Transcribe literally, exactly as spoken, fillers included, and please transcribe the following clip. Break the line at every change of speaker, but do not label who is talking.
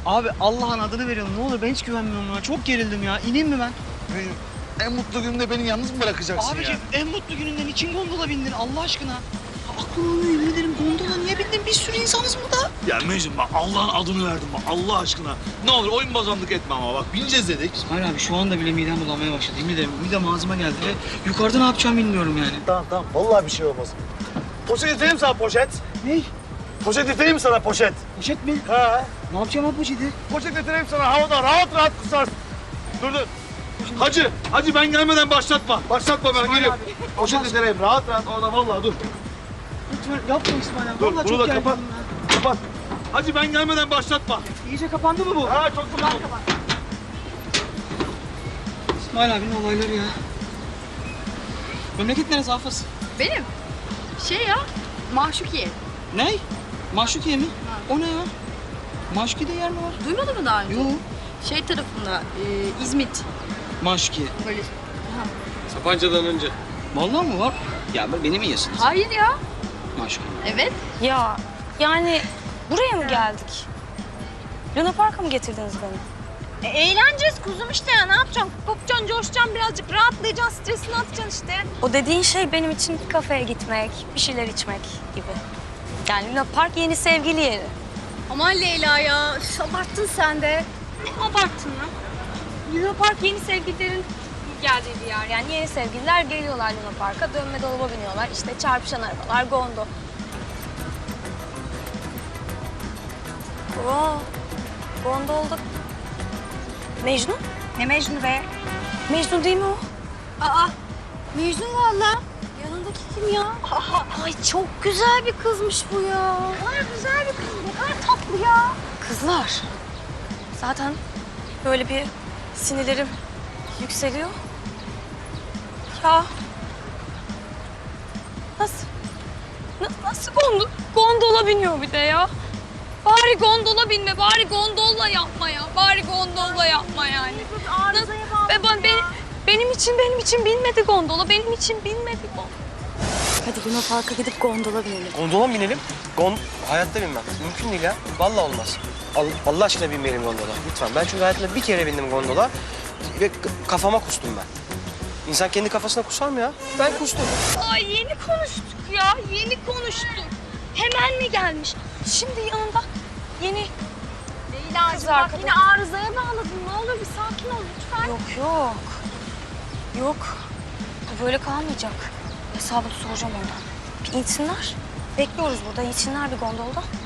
Abi Allah'ın adını veriyorum. Ne olur ben hiç güvenmiyorum ya. Çok gerildim ya. İneyim mi ben?
Benim en mutlu günümde beni yalnız mı bırakacaksın
Abiciğim
ya?
en mutlu gününden için gondola bindin Allah aşkına. Aklım almıyor yemin ederim gondola niye bindin? Bir sürü insanız burada.
Ya Mecnun bak Allah'ın adını verdim bak Allah aşkına. Ne olur oyun bozanlık etme ama bak bineceğiz dedik.
İsmail abi şu anda bile midem bulanmaya başladı. Yemin ederim midem ağzıma geldi ve yukarıda ne yapacağımı bilmiyorum yani.
Tamam tamam vallahi bir şey olmaz. Poşet getireyim sana poşet.
Ne?
Poşet getireyim sana poşet.
Poşet mi?
Ha.
Ne yapacağım abi poşeti?
Poşet getireyim sana havada rahat rahat kusarsın. Dur dur. Hacı, hacı ben gelmeden başlatma. Başlatma ben
İsmail
geliyorum.
abi,
Poşet
Allah
getireyim rahat rahat orada vallahi dur.
Lütfen yapma İsmail abi.
Dur
Vallahi
bunu
çok
da
gerginim
kapat.
ya.
Kapat. Hacı ben gelmeden başlatma.
İyice kapandı mı bu?
Ha çok güzel.
İsmail abinin olayları ya. Memleket neresi Hafız?
Benim? Şey ya, Maşukiye.
Ne? Maşukiye mi? O ne ya? Maşukiye'de yer mi var?
Duymadın mı daha önce?
Yok.
Şey tarafında, e, İzmit.
Maşukiye.
Böyle.
Sapanca'dan önce.
Vallahi mı var? Ya beni mi yiyorsunuz?
Hayır ya.
Maşukiye.
Evet.
Ya yani buraya mı geldik? Luna Park'a mı getirdiniz beni?
E, eğleneceğiz kuzum işte ya. Ne yapacaksın? Kopacaksın, coşacaksın birazcık. Rahatlayacaksın, stresini atacaksın işte.
O dediğin şey benim için bir kafeye gitmek, bir şeyler içmek gibi. Yani Luna Park yeni sevgili yeri.
Aman Leyla ya. Üf, abarttın sen de.
Ne abarttın ya? Luna Park yeni sevgililerin geldiği bir yer. Yani yeni sevgililer geliyorlar Luna Park'a, dönme dolaba biniyorlar. İşte çarpışan arabalar, gondo. Oo, gondolda Mecnun?
Ne Mecnun be?
Mecnun değil mi o?
Aa, Mecnun valla. Yanındaki kim ya? Aa, ay çok güzel bir kızmış bu ya. Ne kadar güzel bir kız. Ne kadar tatlı ya.
Kızlar. Zaten böyle bir sinirlerim yükseliyor. Ya. Nasıl? na- Nasıl gondo gondola biniyor bir de ya? Bari gondola binme, bari gondolla yapma ya. Bari gondolla yapma yani.
Arızaya bağlı.
Ve ben, benim, benim için, benim için binmedi gondola. Benim için binmedi gondola. Hadi Luna Park'a gidip gondola binelim.
Gondola mı binelim? Gon hayatta binmem. Mümkün değil ya. Vallahi olmaz. Allah, Allah aşkına binmeyelim gondola. Lütfen. Ben çünkü hayatımda bir kere bindim gondola ve k- kafama kustum ben. İnsan kendi kafasına kusar mı ya? Ben kustum.
Ay yeni konuştuk ya, yeni konuştuk. Hemen mi gelmiş? Şimdi yanında yeni...
Leyla'cığım
Kız
bak
arkadaş.
yine arızaya bağladın. Ne olur bir sakin ol lütfen.
Yok yok. Yok. Bu böyle kalmayacak. Hesabını soracağım ondan. Bir insinler. Bekliyoruz burada. İnsinler bir gondolda.